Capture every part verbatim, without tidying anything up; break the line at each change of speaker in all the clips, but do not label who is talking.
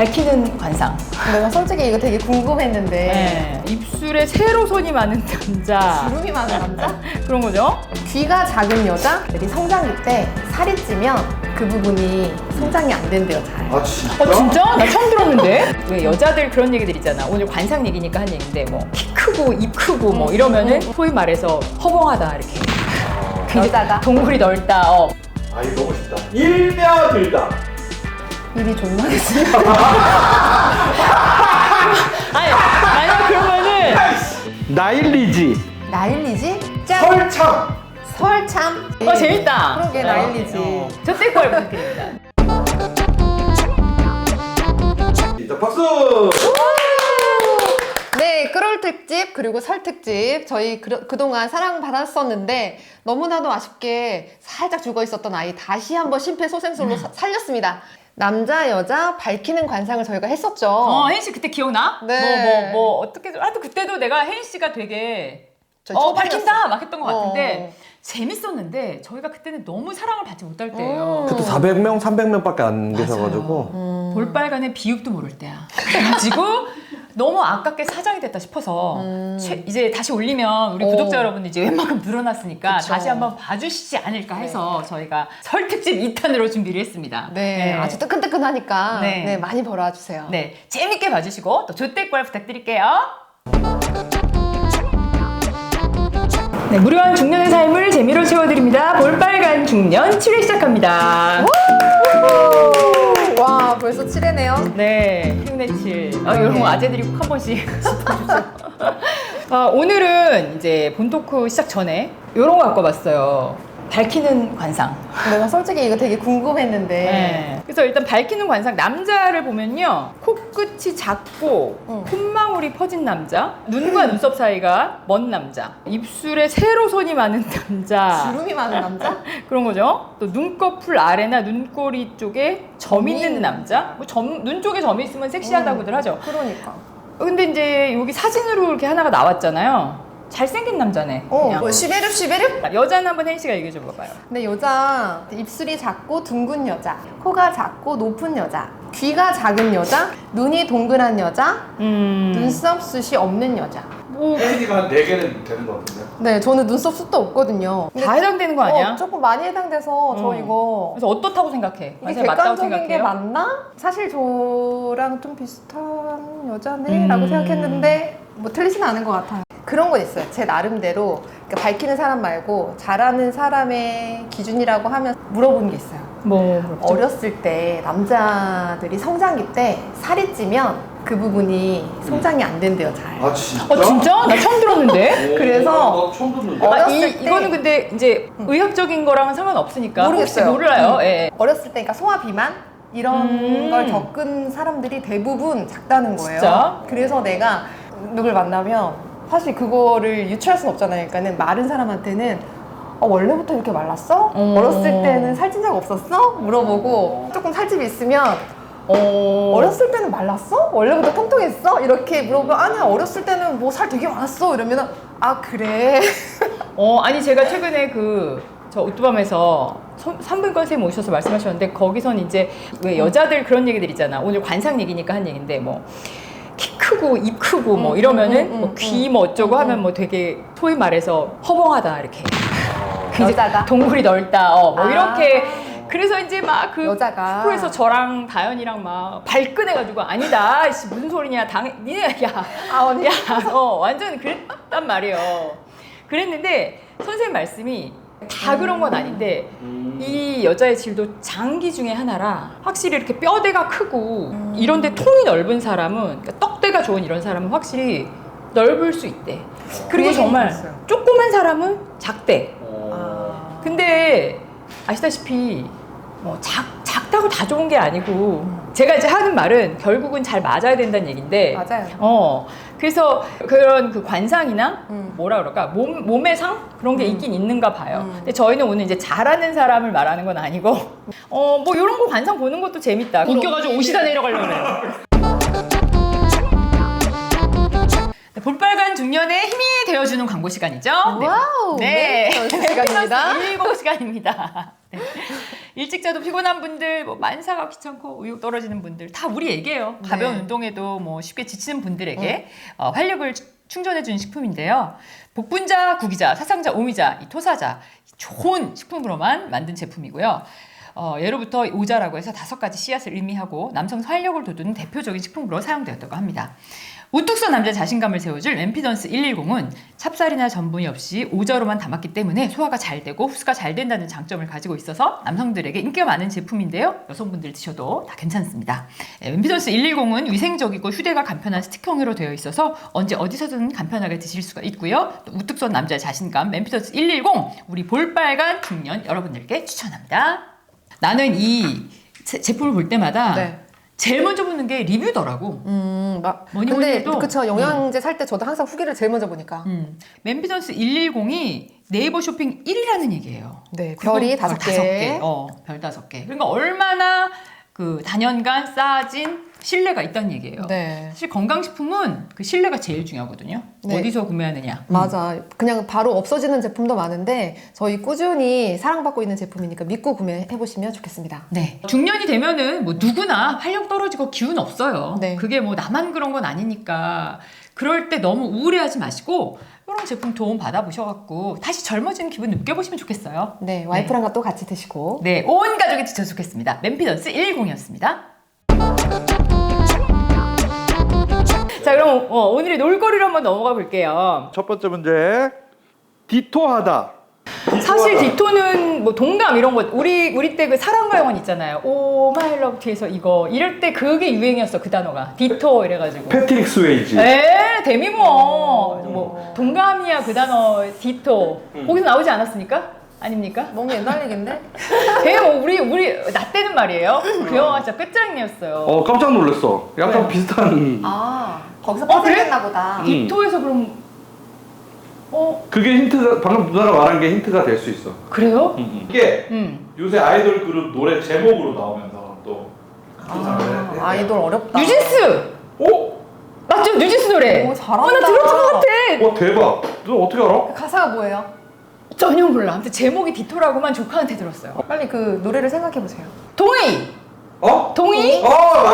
밝히는 관상.
내가 솔직히 이거 되게 궁금했는데
네. 입술에 세로선이 많은 남자.
주름이 많은 남자?
그런 거죠?
귀가 작은 여자들이 성장기 때 살이 찌면 그 부분이 성장이 안 된대요, 잘.
아 진짜?
어 진짜? 나 처음 들었는데? 왜 여자들 그런 얘기들 있잖아. 오늘 관상 얘기니까 한 얘기인데 뭐 키 크고 입 크고 뭐 이러면은 소위 말해서 허봉하다 이렇게.
여자가?
동굴이 넓다. 어.
아 이거 너무 쉽다. 일며들다.
입이 존나 됐어요.
아니 만약 그러면은
나일리지.
나일리지? 짠!
설참.
설참.
어 재밌다.
그러게, 나일리지.
어. 저때 걸 부탁드립니다.
일단 박수.
네, 끌올 특집 그리고 설 특집 저희 그, 그동안 사랑받았었는데 너무나도 아쉽게 살짝 죽어 있었던 아이 다시 한번 심폐소생술로 사- 살렸습니다. 남자 여자 밝히는 관상을 저희가 했었죠.
어 혜인 씨 그때 기억나?
네.
뭐 뭐 뭐 어떻게 좀- 하여튼 그때도 내가 혜인 씨가 되게
저희
어
초반이었어요.
밝힌다 막 했던 것 같은데
어.
재밌었는데 저희가 그때는 너무 사랑을 받지 못할 때예요.
음.
그때 사백 명, 삼백 명밖에 안
맞아요.
계셔가지고
음.
볼빨간의 비육도 모를 때야. 그래가지고 너무 아깝게 사장이 됐다 싶어서
음.
최- 이제 다시 올리면 우리
오.
구독자 여러분들 이제 웬만큼 늘어났으니까
그쵸.
다시 한번 봐주시지 않을까 해서 저희가 설 특집 이 탄으로 준비를 했습니다.
네, 아주 뜨끈뜨끈하니까
네.
네. 많이 벌어와 주세요.
네, 재밌게 봐주시고 또 조태꿀 부탁드릴게요. 네, 무료한 중년의 삶을 재미로 채워드립니다. 볼빨간 중년 칠 회 시작합니다.
와, 벌써 칠 회네요.
네, 흉내 칠. 아, 이런 거 아재들이 꼭 한 번씩 짚어주죠. 아, 오늘은 이제 본 토크 시작 전에 이런 거 갖고 왔어요. 밝히는 관상.
내가 솔직히 이거 되게 궁금했는데
네. 그래서 일단 밝히는 관상 남자를 보면요 코끝이 작고
응.
콧망울이 퍼진 남자, 눈과 눈썹 사이가 먼 남자, 입술에 세로선이 많은 남자,
주름이 많은 남자?
그런 거죠. 또 눈꺼풀 아래나 눈꼬리 쪽에 점
점이
있는
있는
남자. 뭐 점, 눈 쪽에 점이 있으면 섹시하다고들 하죠.
그러니까.
근데 이제 여기 사진으로 이렇게 하나가 나왔잖아요. 잘생긴 남자네.
어,
그냥.
뭐 시베르 시베르?
여자는 한번 혜인 씨가 얘기해 줘 봐봐요.
근데 여자 입술이 작고 둥근 여자, 코가 작고 높은 여자, 귀가 작은 여자, 눈이 동그란 여자,
음.
눈썹 숱이 없는 여자.
뭐
혜인이가 한 네 개는 되는 것 같은데.
네, 저는 눈썹 숱도 없거든요. 근데
다 해당되는 거 아니야?
어, 조금 많이 해당돼서 저
어.
이거
그래서 어떻다고 생각해?
이게
관상이 맞다고
객관적인 게
생각해요?
맞나? 사실 저랑 좀 비슷한 여자네라고
음.
생각했는데 뭐 틀리진 않은 것 같아요. 그런 건 있어요. 제 나름대로 그러니까 밝히는 사람 말고 잘하는 사람의 기준이라고 하면 물어보는 게 있어요.
뭐
어렸을 때 남자들이 성장기 때 살이 찌면 그 부분이 성장이 안 된대요, 잘.
아 진짜?
어 진짜? 나 처음 들었는데?
오,
그래서-
나 처음 듣는데.
어,
아,
어렸을
이,
때-
이거는 근데 이제 의학적인 거랑은 상관없으니까
모르겠어요.
혹시 몰라요.
음.
예.
어렸을 때 그러니까 소화 비만 이런
음.
걸 겪은 사람들이 대부분 작다는 거예요.
진짜?
그래서 내가 누굴 만나면 사실 그거를 유추할 수는 없잖아요. 그러니까는 마른 사람한테는 어, 원래부터 이렇게 말랐어?
음.
어렸을 때는 살찐 적 없었어? 물어보고 조금 살집이 있으면
어...
어렸을 때는 말랐어? 원래부터 통통했어? 이렇게 물어보면 아니야 어렸을 때는 뭐 살 되게 많았어 이러면은 아 그래
어 아니 제가 최근에 그 저 오뚜밤에서 산부인과 선생님 오셔서 말씀하셨는데 거기선 이제 왜 여자들 그런 얘기들 있잖아. 오늘 관상 얘기니까 한 얘기인데 뭐 키 크고 입 크고 뭐
음,
이러면은
음, 음,
뭐
음,
귀 뭐 어쩌고
음,
하면
음.
뭐 되게 소위 말해서 허봉하다 이렇게. 그 이제
여자가?
동굴이 넓다. 어, 뭐
아.
이렇게. 그래서 이제 막 그
여자가.
프로에서 저랑 다현이랑 막 발끈해가지고 아니다. 씨, 무슨 소리냐. 당 니네 야.
아 언니
야, 어, 완전 그랬단 말이에요. 그랬는데 선생님 말씀이 다 그런 건 아닌데
음.
이 여자의 질도 장기 중에 하나라 확실히 이렇게 뼈대가 크고 이런데 통이 넓은 사람은 그러니까 떡대가 좋은 이런 사람은 확실히 넓을 수 있대. 그리고
얘기는
정말
들었어요.
조그만 사람은 작대.
어.
아.
근데 아시다시피 뭐 작, 작다고 다 좋은 게 아니고 제가 이제 하는 말은 결국은 잘 맞아야 된다는 얘기인데
맞아요.
어 그래서 그런 그 관상이나
음.
뭐라 그럴까 몸, 몸의 상 그런 게
음.
있긴 있는가 봐요.
음.
근데 저희는 오늘 이제 잘하는 사람을 말하는 건 아니고 어 뭐 이런 거 관상 보는 것도 재밌다. 웃겨가지고 옷이 다 내려가려고 그래요. 네, 볼빨간 중년의 힘이 되어주는 광고 시간이죠. 네.
와우
네.
네, 전수 시간입니다.
일곱 시간입니다. 네. 일찍 자도 피곤한 분들, 뭐 만사가 귀찮고 의욕 떨어지는 분들 다 우리 얘기예요. 가벼운
네.
운동에도 뭐 쉽게 지치는 분들에게 어, 활력을 충전해주는 식품인데요. 복분자, 구기자, 사상자, 오미자, 이 토사자 좋은 식품으로만 만든 제품이고요. 어, 예로부터 오자라고 해서 다섯 가지 씨앗을 의미하고 남성 활력을 돋우는 대표적인 식품으로 사용되었다고 합니다. 우뚝 선 남자 자신감을 세워줄 엠피던스 백십은 찹쌀이나 전분이 없이 오자로만 담았기 때문에 소화가 잘 되고 흡수가 잘 된다는 장점을 가지고 있어서 남성들에게 인기가 많은 제품인데요. 여성분들 드셔도 다 괜찮습니다. 엠피던스 백십은 위생적이고 휴대가 간편한 스틱형으로 되어 있어서 언제 어디서든 간편하게 드실 수가 있고요. 또 우뚝 선 남자 자신감 엠피던스 백십 우리 볼빨간 중년 여러분들께 추천합니다. 나는 이 제, 제품을 볼 때마다
네.
제일 먼저 보는 게 리뷰더라고.
음, 막
뭐니
근데
뭐니 해도
그쵸 영양제 살 때 저도 항상 후기를 제일 먼저 보니까.
음. 멤피던스 백십이 네이버 쇼핑 일 위라는 얘기예요.
네,
그리고
별이
별
다섯
다섯
개.
개. 어, 별 다섯 개. 그러니까 얼마나 그 단연간 쌓아진 신뢰가 있다는 얘기예요.
네.
사실 건강식품은 그 신뢰가 제일 중요하거든요.
네.
어디서 구매하느냐. 음.
맞아. 그냥 바로 없어지는 제품도 많은데 저희 꾸준히 사랑받고 있는 제품이니까 믿고 구매해보시면 좋겠습니다.
네. 중년이 되면은 뭐 누구나 활력 떨어지고 기운 없어요.
네.
그게 뭐 나만 그런 건 아니니까 그럴 때 너무 우울해하지 마시고 이런 제품 도움 받아보셔갖고 다시 젊어지는 기분 느껴보시면 좋겠어요.
네, 와이프랑 또 같이 드시고.
네, 온 가족이 드셔도 좋겠습니다. 멤피던스 백십이었습니다. 자, 그럼 어, 오늘의 놀거리로 한번 넘어가 볼게요.
첫 번째 문제. 디토하다.
사실 디토는 뭐 동감 이런 거 우리 우리 때 그 사랑과 영혼 있잖아요. 오 마이 러브 뒤에서 이거 이럴 때 그게 유행이었어 그 단어가 디토 이래가지고.
패트릭 스웨이지.
에 데미모 뭐 동감이야 그 단어 디토 거기서 나오지 않았습니까? 아닙니까?
너무 옛날 얘긴데?
되게 뭐 우리 우리 나 때는 말이에요. 그 영화가 진짜 끝장이었어요.
어, 깜짝 놀랐어. 약간
네.
비슷한.
아, 거기서
어, 그래?
파생했나 보다.
디토에서 그럼 어
그게 힌트가, 방금 누나가 말한 게 힌트가 될 수 있어.
그래요?
이게
음.
요새 아이돌 그룹 노래 제목으로 나오면서 또.
아, 아이돌 어렵다.
뉴진스
오?
맞죠? 뉴진스 노래.
오, 잘한다.
어, 나 들었던 것 같아.
와, 대박. 누나 어떻게 알아?
가사가 뭐예요?
전혀 몰라. 아무튼 제목이 디토라고만 조카한테 들었어요.
빨리 그 노래를 생각해보세요.
동의.
어?
동의?
어, 맞아.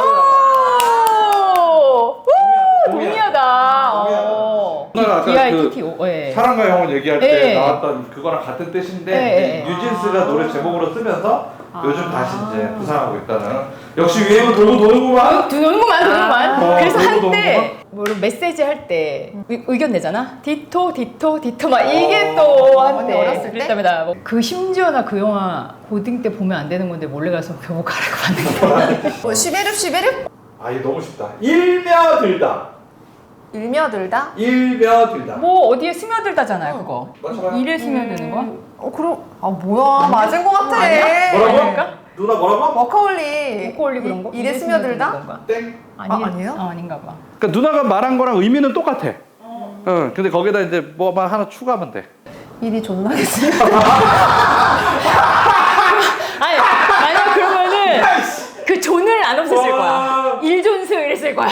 오! 우!
동의야.
동의하다.
동의하다.
어.
누나가 아까
비 아이
그
티 티 오. 예.
사랑과 영혼 얘기할 때
네.
나왔던 그거랑 같은 뜻인데
네.
이제 뉴진스가 노래 제목으로 쓰면서
아.
요즘 다시 이제 부상하고 있다는. 역시 유행은 돌고 도는구만.
도는구만, 도는구만.
아.
그래서
어, 너무,
한때 뭐 메시지 할 때 의견 내잖아. 디토, 디토, 디토 막 이게
어.
또
언니
한때
어렸을 때?
그랬답니다. 뭐그 심지어나 그 영화 고딩 때 보면 안 되는 건데 몰래 가서 교복 갈아입고 봤는데.
뭐, 시베르 시베르?
아, 이거 너무 쉽다. 일며들다.
일며들다?
일며들다.
뭐 어디에 스며들다잖아요, 그거.
맞춰봐요.
일에 스며드는 거?
어, 그럼, 아, 뭐야. 맞은 거 같아.
아니야?
뭐라고?
아닐까?
누나 뭐라고?
워커홀리.
꼬꼬올리 그런 거?
일에 스며들다?
건가?
땡.
아니,
아, 아니에요?
어, 아닌가 봐.
그러니까 누나가 말한 거랑 의미는 똑같아. 응. 근데 거기다 이제 뭐만 하나 추가하면 돼.
일이 존나겠지.
아니, 만약 그러면은 그 존을 안 없앴을 거야.
와.
일존스 이랬을 거야.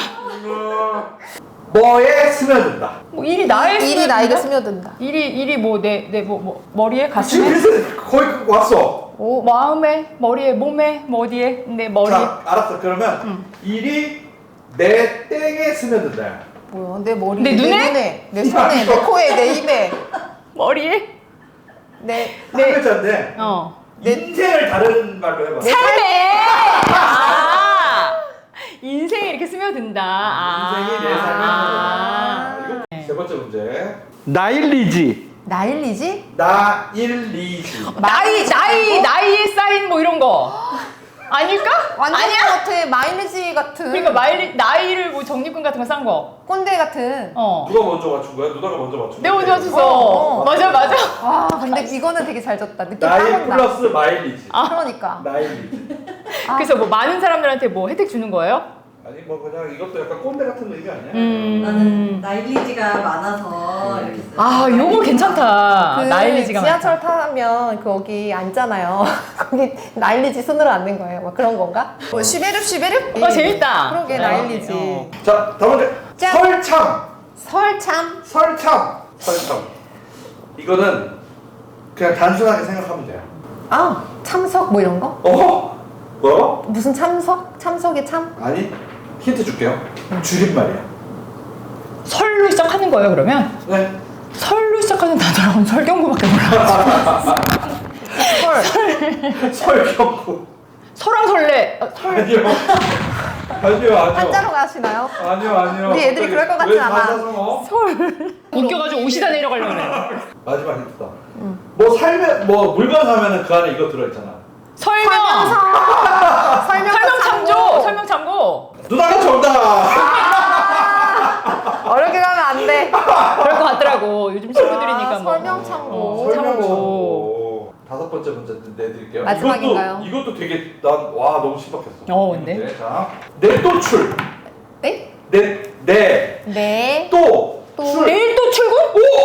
뭐에 스며든다.
뭐 일이 나에
일이
스며든다?
나에게 스며든다.
일이 일이 뭐 내 내 뭐 뭐 머리에
지금
가슴에
비슷해. 거의 왔어.
오, 마음에 머리에 몸에 뭐 어디에 내 머리
자, 알았어. 그러면 일이 내 땡에 스며든다.
뭐야, 내 머리,
내 눈에?
눈에, 내 손에, 내 코에, 내 입에,
머리에
내,
한 글자인데
어
인생을 다른 말로 해봐.
삶에 아 인생에 이렇게 스며든다. 아.
인생이 내 삶에
아.
스며든다. 이거 세 번째 문제.
나일리지.
나일리지?
나일리지.
나이 나이 나이에 쌓인 뭐 이런 거 아닐까?
완전
아니야?
같아. 마일리지 같은.
그러니까 마일리 나이를 뭐 적립금 같은 거 싼 거.
꼰대 같은.
어.
누가 먼저 맞춘 거야? 누나가 먼저 맞춘 거야?
내가 먼저 맞췄어.
어, 어.
맞아 맞아.
와, 근데 이거는 되게 잘 졌다. 느낌 딱
나이
온다.
플러스 마일리지.
그러니까.
나일리지.
아.
그래서 뭐 많은 사람들한테 뭐 혜택 주는 거예요?
아니 뭐 그냥 이것도 약간 꼰대 같은 의미 아니야?
음.
나는 나일리지가 많아서 이렇게 써요.
아, 요거 괜찮다.
그
나일리지가
지하철
많다.
타면 거기 앉잖아요. 거기 나일리지 손으로 앉는 거예요. 막 그런 건가? 뭐 시베르 시베르?
어, 재밌다.
그러게
어,
나일리지.
어.
자, 다음 문제.
짠.
설참.
설참.
설참. 설참. 이거는 그냥 단순하게 생각하면 돼요.
아, 참석 뭐 이런 거?
어? 뭐라고?
무슨 참석? 참석의 참?
아니 힌트 줄게요. 줄임말이야.
설로 시작하는 거예요, 그러면?
네.
설로 시작하는 단어는 설경구밖에 몰라.
헐.
설경구.
설왕 설래. 어, 설.
아니요. 아니요 아니요.
한자로 가시나요?
아니요 아니요.
우리 애들이 그럴 것 같진
왜
않아.
사자성어?
설. 웃겨가지고 옷이다 내려가려고 그래.
마지막 힌트다. 뭐 살면 뭐 물건 사면은 그 안에 이거 들어있잖아.
설명.
설명서. 설명
설명 참조. 설명 참고.
누나가 정답.
어렵게 가면 안 돼.
그럴 것 같더라고. 요즘 친구들이니까
아,
뭐.
설명 참고.
어, 참고.
다섯 번째 문제 내드릴게요.
마지막인가요?
이것도, 이것도 되게 난 와 너무 신박했어.
어, 근데?
네, 자, 내또출.
네?
내내또
네.
출.
내일 또 출근?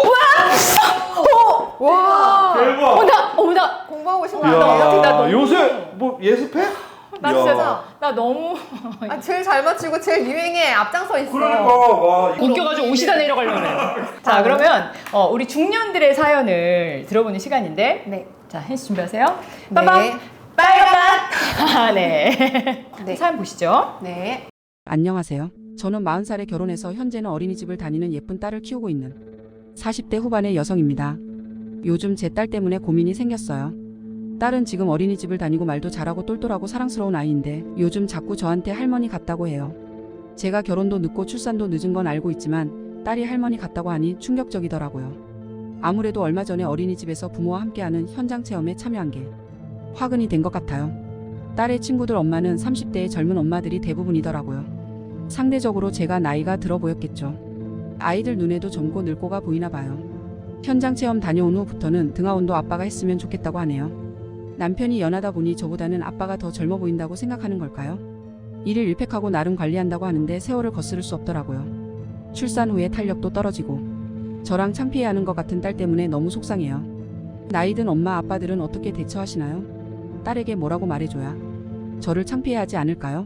오! 와!
와.
대박.
어, 나, 어, 나,
공부하고 싶은 거
야.
아니에요?
나 너무-
요새 뭐 예습해?
나
야.
진짜, 나 너무
아, 제일 잘 맞추고 제일 유행에 앞장서 있어.
그러니까 와 이거
웃겨가지고 옷이다 내려가려고 그래. 자, 그러면 어, 우리 중년들의 사연을 들어보는 시간인데,
네.
자, 혜씨 준비하세요.
네.
빠밤! 빨간 맛! 아, 네.
네.
사연 보시죠.
네.
안녕하세요. 저는 마흔 살에 결혼해서 현재는 어린이집을 다니는 예쁜 딸을 키우고 있는 사십 대 후반의 여성입니다. 요즘 제 딸 때문에 고민이 생겼어요. 딸은 지금 어린이집을 다니고 말도 잘하고 똘똘하고 사랑스러운 아이인데 요즘 자꾸 저한테 할머니 같다고 해요. 제가 결혼도 늦고 출산도 늦은 건 알고 있지만 딸이 할머니 같다고 하니 충격적이더라고요. 아무래도 얼마 전에 어린이집에서 부모와 함께하는 현장 체험에 참여한 게 화근이 된 것 같아요. 딸의 친구들 엄마는 삼십 대의 젊은 엄마들이 대부분이더라고요. 상대적으로 제가 나이가 들어 보였겠죠. 아이들 눈에도 젊고 늙고가 보이나 봐요. 현장 체험 다녀온 후부터는 등하원도 아빠가 했으면 좋겠다고 하네요. 남편이 연하다 보니 저보다는 아빠가 더 젊어 보인다고 생각하는 걸까요? 일일 일팩하고 나름 관리한다고 하는데 세월을 거스를 수 없더라고요. 출산 후에 탄력도 떨어지고 저랑 창피해하는 것 같은 딸 때문에 너무 속상해요. 나이든 엄마 아빠들은 어떻게 대처하시나요? 딸에게 뭐라고 말해줘야 저를 창피해하지 않을까요?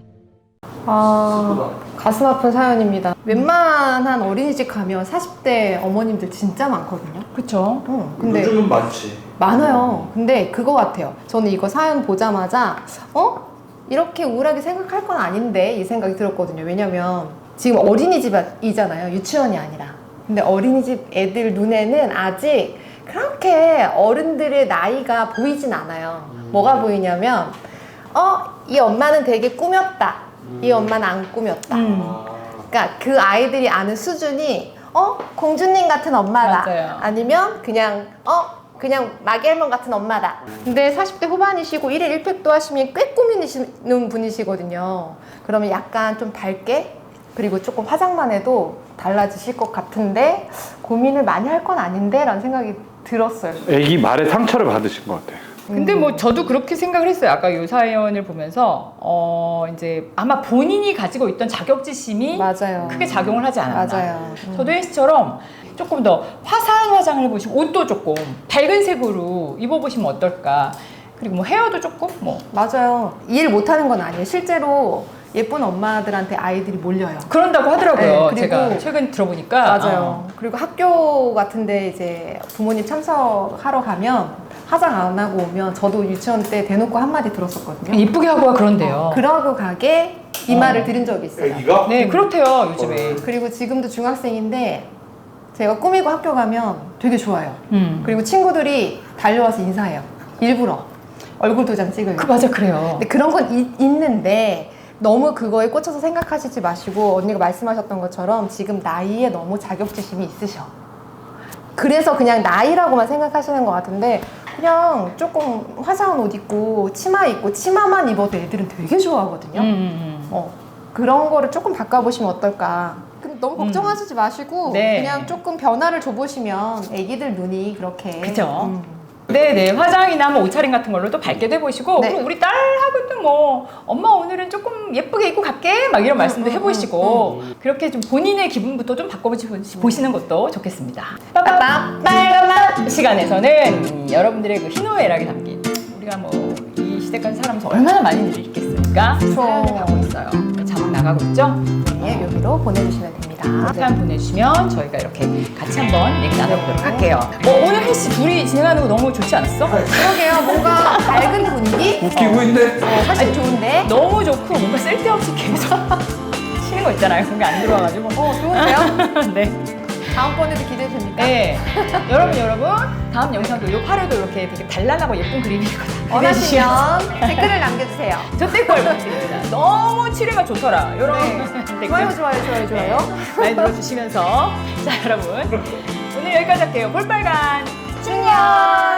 아, 가슴 아픈 사연입니다. 웬만한 어린이집 가면 사십 대 어머님들 진짜 많거든요.
그쵸.
어, 근데
요즘은 많지.
많아요. 근데 그거 같아요. 저는 이거 사연 보자마자 어? 이렇게 우울하게 생각할 건 아닌데 이 생각이 들었거든요. 왜냐면 지금 어린이집이잖아요. 유치원이 아니라. 근데 어린이집 애들 눈에는 아직 그렇게 어른들의 나이가 보이진 않아요. 뭐가 보이냐면 어? 이 엄마는 되게 꾸몄다. 이 엄마는 안 꾸몄다.
음.
그러니까 그 아이들이 아는 수준이 어? 공주님 같은 엄마다.
맞아요.
아니면 그냥 어? 그냥 마겔몬 같은 엄마다. 근데 사십 대 후반이시고 일일 일팩도 하시면 꽤 꾸미시는 분이시거든요. 그러면 약간 좀 밝게 그리고 조금 화장만 해도 달라지실 것 같은데 고민을 많이 할 건 아닌데 라는 생각이 들었어요.
애기 말에 상처를 받으신 것 같아.
근데 뭐 저도 그렇게 생각을 했어요. 아까 이 사연을 보면서 어 이제 아마 본인이 가지고 있던 자격지심이
맞아요.
크게 작용을 하지 않았나.
맞아요. 음.
저도 혜씨처럼 조금 더 화사한 화장을 해보시고 옷도 조금 밝은 색으로 입어보시면 어떨까. 그리고 뭐 헤어도 조금 뭐
맞아요. 이해를 못하는 건 아니에요. 실제로 예쁜 엄마들한테 아이들이 몰려요.
그런다고 하더라고요.
네, 그리고-
제가 최근 들어보니까
맞아요. 그리고 학교 같은데 이제 부모님 참석하러 가면 화장 안 하고 오면 저도 유치원 때 대놓고 한마디 들었었거든요.
이쁘게 하고 와 그런데요.
그러고 가게 이
어.
말을 들은 적이 있어요.
애기가?
네 그렇대요 요즘에.
그리고 지금도 중학생인데 제가 꾸미고 학교 가면 되게 좋아요.
음.
그리고 친구들이 달려와서 인사해요. 일부러 얼굴 도장 찍으려고.
그 맞아 그래요.
근데 그런 건 이- 있는데 너무 그거에 꽂혀서 생각하시지 마시고 언니가 말씀하셨던 것처럼 지금 나이에 너무 자격지심이 있으셔. 그래서 그냥 나이라고만 생각하시는 것 같은데 그냥 조금 화사한 옷 입고 치마 입고 치마만 입어도 애들은 되게 좋아하거든요.
음, 음,
어, 그런 거를 조금 바꿔보시면 어떨까. 근데 너무 걱정하시지 마시고
네.
그냥 조금 변화를 줘보시면 애기들 눈이 그렇게
그죠.
음.
네네 화장이나 뭐 옷차림 같은 걸로 또 밝게 돼보시고
네.
그리고 우리 딸하고도 뭐 엄마 오늘은 조금 예쁘게 입고 갈게 막 이런 말씀도
음,
해보시고 그렇게 좀 본인의 기분부터 좀 바꿔보시는 것도 좋겠습니다.
빠밤.
빠밤 빨간 맛 시간에서는 여러분들의 그 희노애락이 담긴 우리가 뭐 이 시대까지 살아면서 얼마나 많은 일이 있겠습니까?
그쵸.
사연을 하고 있어요. 자막 나가고 있죠?
네, 여기로 보내주시면 됩니다. 좋습니다.
사연 보내주시면 저희가 이렇게 같이 한번 얘기 나눠보도록 할게요. 어, 오늘 혜씨 둘이 진행하는 거 너무 좋지 않았어?
그러게요. 뭔가 밝은 분위기?
웃기고 있네.
어, 훨씬 좋은데?
너무 좋고 뭔가 쓸데없이 계속 치는 거 있잖아요. 그런 게 안 들어와가지고.
어, 좋은데요?
네.
다음번에도 기대됩니까?
네. 여러분, 여러분, 다음 영상도 요 팔에도 이렇게 되게 단란하고 예쁜 그림이거든요.
원하시면 댓글을 남겨주세요.
저 댓글 부탁드립니다. 너무 칠해가 좋더라. 이런
네.
댓글
좋아요, 좋아요, 좋아요, 좋아요.
많이 눌러주시면서 자, 여러분 오늘 여기까지 할게요. 볼빨간
충년!